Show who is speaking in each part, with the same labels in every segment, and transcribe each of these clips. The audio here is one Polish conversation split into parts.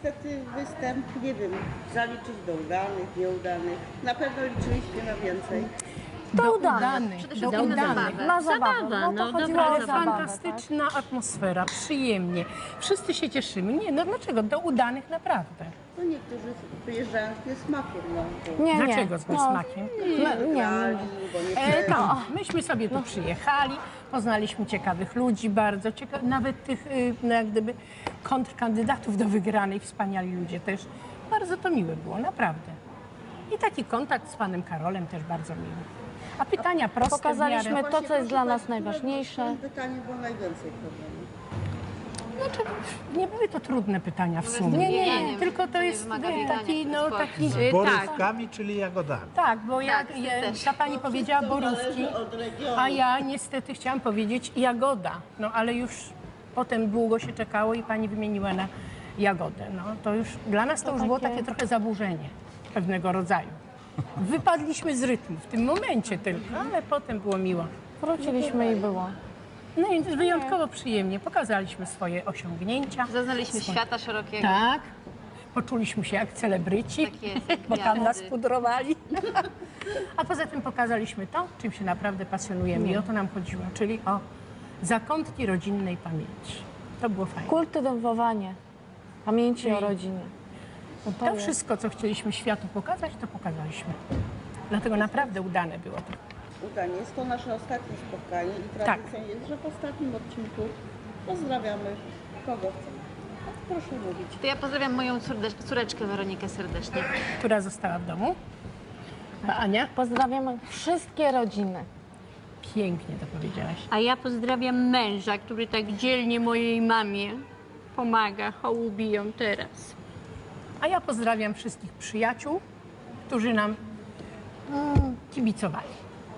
Speaker 1: niestety występ, nie wiem, zaliczyć do udanych, nieudanych. Na pewno liczyliśmy na więcej.
Speaker 2: Do udanych.
Speaker 3: Przede wszystkim na zabawę.
Speaker 2: Na zabawę.
Speaker 3: Zabawa,
Speaker 2: No to
Speaker 3: no,
Speaker 2: chodziło
Speaker 3: dobra
Speaker 2: o
Speaker 3: zabawa.
Speaker 2: zabawę,
Speaker 4: Fantastyczna atmosfera, przyjemnie. Wszyscy się cieszymy. Nie, no dlaczego? Do udanych naprawdę.
Speaker 1: No niektórzy przyjeżdżają z niesmakiem, no.
Speaker 2: Tak? Nie,
Speaker 4: Dlaczego z niesmakiem?
Speaker 2: Nie.
Speaker 1: Bo nie
Speaker 4: No, myśmy sobie tu przyjechali, poznaliśmy ciekawych ludzi, bardzo nawet tych no, jak gdyby kontrkandydatów do wygranej, wspaniali ludzie też. Bardzo to miłe było, naprawdę. I taki kontakt z panem Karolem też bardzo miły. A pytania proste w
Speaker 2: Pokazaliśmy
Speaker 4: miarę.
Speaker 2: to, co jest dla nas najważniejsze.
Speaker 1: W tym pytaniu było najwięcej problemów.
Speaker 4: Znaczy, nie były to trudne pytania w sumie.
Speaker 3: Nie,
Speaker 4: Tylko to jest
Speaker 3: wymaga
Speaker 4: taki,
Speaker 3: biegania,
Speaker 4: no taki...
Speaker 3: tak.
Speaker 5: Borówkami, czyli jagodami.
Speaker 4: Tak, bo
Speaker 3: Tak, też.
Speaker 4: ta pani powiedziała borówki,
Speaker 1: Od regionu.
Speaker 4: a ja niestety chciałam powiedzieć jagoda. No ale już potem długo się czekało i pani wymieniła na jagodę. No to już dla nas to już było takie trochę zaburzenie pewnego rodzaju. Wypadliśmy z rytmu w tym momencie tylko, ale potem było miło.
Speaker 2: Wróciliśmy i było.
Speaker 4: No i wyjątkowo przyjemnie pokazaliśmy swoje osiągnięcia.
Speaker 3: Zaznaliśmy świata szerokiego.
Speaker 4: Tak, poczuliśmy się jak celebryci,
Speaker 3: Tak jest, jak
Speaker 4: bo tam nas
Speaker 3: gwiazdy.
Speaker 4: pudrowali. A poza tym pokazaliśmy to, czym się naprawdę pasjonujemy i o to nam chodziło, czyli o zakątki rodzinnej pamięci. To było fajne.
Speaker 2: Kultywowanie pamięci o rodzinie. No
Speaker 4: To wszystko, co chcieliśmy światu pokazać, to pokazaliśmy. Dlatego naprawdę udane było to.
Speaker 1: Udanie. Jest to nasze ostatnie spotkanie i tradycją jest, że w ostatnim odcinku pozdrawiamy kogo chcemy. Proszę mówić.
Speaker 3: To ja pozdrawiam moją córeczkę Weronikę serdecznie.
Speaker 4: Która została w domu. A Ania?
Speaker 2: Pozdrawiamy wszystkie rodziny.
Speaker 4: Pięknie to powiedziałaś.
Speaker 6: A ja pozdrawiam męża, który tak dzielnie mojej mamie pomaga, hołubi ją teraz.
Speaker 4: A ja pozdrawiam wszystkich przyjaciół, którzy nam kibicowali.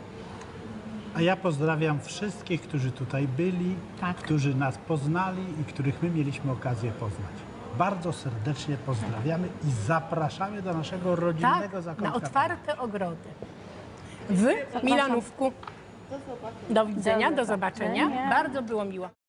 Speaker 5: A ja pozdrawiam wszystkich, którzy tutaj byli,
Speaker 4: Tak.
Speaker 5: którzy nas poznali i których my mieliśmy okazję poznać. Bardzo serdecznie pozdrawiamy i zapraszamy do naszego rodzinnego
Speaker 4: Tak,
Speaker 5: zakątka.
Speaker 4: na otwarte ogrody. W Milanówku. Do widzenia, do zobaczenia. Bardzo było miło.